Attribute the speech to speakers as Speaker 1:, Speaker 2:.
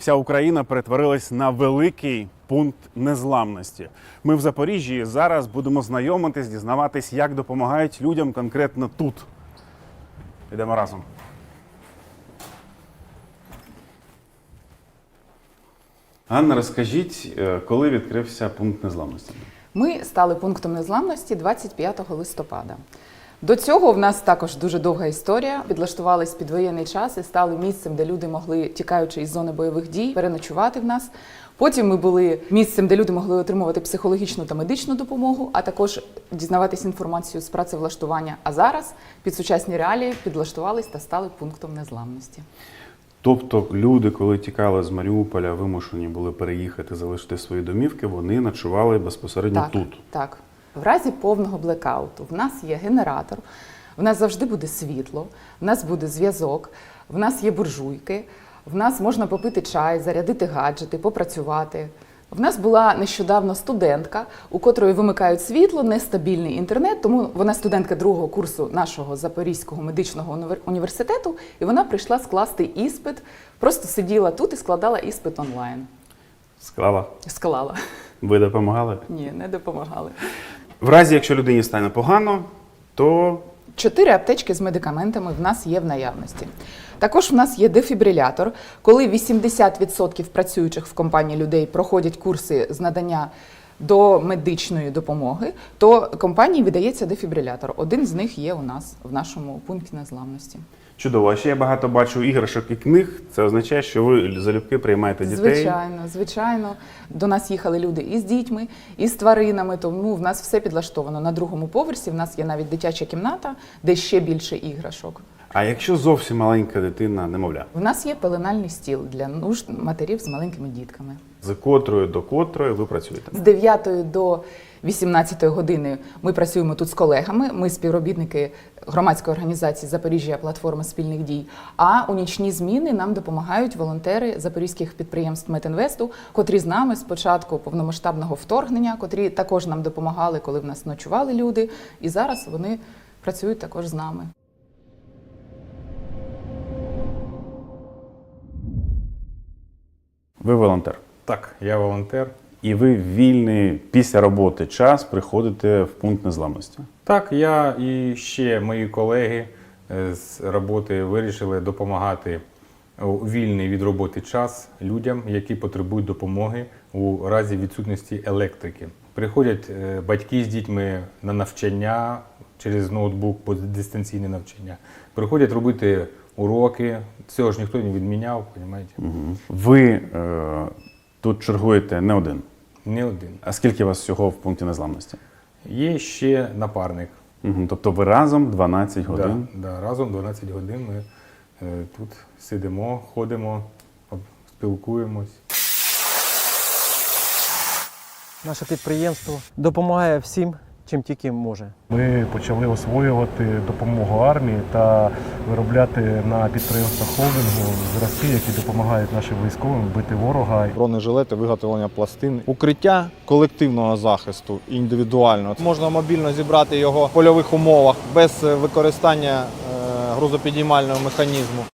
Speaker 1: Вся Україна перетворилась на великий пункт незламності. Ми в Запоріжжі і зараз будемо знайомитись, дізнаватись, як допомагають людям конкретно тут. Йдемо разом. Анна, розкажіть, коли відкрився пункт незламності?
Speaker 2: Ми стали пунктом незламності 25 листопада. До цього в нас також дуже довга історія. Підлаштувались під воєнний час і стали місцем, де люди могли, тікаючи із зони бойових дій, переночувати в нас. Потім ми були місцем, де люди могли отримувати психологічну та медичну допомогу, а також дізнаватись інформацію з працевлаштування. А зараз під сучасні реалії підлаштувались та стали пунктом незламності.
Speaker 1: Тобто люди, коли тікали з Маріуполя, вимушені були переїхати, залишити свої домівки, вони ночували безпосередньо тут?
Speaker 2: Так. В разі повного блекауту в нас є генератор, в нас завжди буде світло, в нас буде зв'язок, в нас є буржуйки, в нас можна попити чай, зарядити гаджети, попрацювати. В нас була нещодавно студентка, у котрої вимикають світло, нестабільний інтернет, тому вона студентка другого курсу нашого Запорізького медичного університету, і вона прийшла скласти іспит, просто сиділа тут і складала іспит онлайн.
Speaker 1: Склала?
Speaker 2: Склала.
Speaker 1: Ви допомагали?
Speaker 2: Ні, не допомагали.
Speaker 1: В разі, якщо людині стане погано, то
Speaker 2: 4 аптечки з медикаментами в нас є в наявності. Також в нас є дефібрилятор. Коли 80% працюючих в компанії людей проходять курси з надання до медичної допомоги, то компанії видається дефібрилятор. Один з них є у нас в нашому пункті незламності.
Speaker 1: чудово. А ще я багато бачу іграшок і книг. Це означає, що ви залюбки приймаєте дітей?
Speaker 2: Звичайно. До нас їхали люди і з дітьми, і з тваринами, тому в нас все підлаштовано. На другому поверсі в нас є навіть дитяча кімната, де ще більше іграшок.
Speaker 1: А якщо зовсім маленька дитина, немовля?
Speaker 2: В нас є пеленальний стіл для нужд матерів з маленькими дітками.
Speaker 1: З котрої до котрої ви працюєте?
Speaker 2: З 9 до 18 години ми працюємо тут з колегами. Ми співробітники громадської організації «Запоріжжя. Платформа спільних дій». А у нічні зміни нам допомагають волонтери запорізьких підприємств Метінвесту, котрі з нами з початку повномасштабного вторгнення, котрі також нам допомагали, коли в нас ночували люди. І зараз вони працюють також з нами.
Speaker 1: Ви волонтер.
Speaker 3: Так, я волонтер.
Speaker 1: І ви в вільний після роботи час приходите в пункт незламності?
Speaker 3: Так, я і ще мої колеги з роботи вирішили допомагати у вільний від роботи час людям, які потребують допомоги у разі відсутності електрики. Приходять батьки з дітьми на навчання через ноутбук, дистанційне навчання. Приходять робити уроки, цього ж ніхто не відміняв, розумієте?
Speaker 1: Угу. Ви тут чергуєте не один?
Speaker 3: Не один.
Speaker 1: А скільки у вас всього в пункті незламності?
Speaker 3: Є ще напарник.
Speaker 1: Угу. Тобто ви разом 12 годин?
Speaker 3: Да, разом 12 годин ми тут сидимо, ходимо, спілкуємось.
Speaker 4: Наше підприємство допомагає всім, чим тільки може.
Speaker 5: Ми почали освоювати допомогу армії та виробляти на підприємствах холдингу зразки, які допомагають нашим військовим бити ворога.
Speaker 6: Бронежилети, виготовлення пластин, укриття колективного захисту індивідуально. Можна мобільно зібрати його в польових умовах без використання грузопідіймального механізму.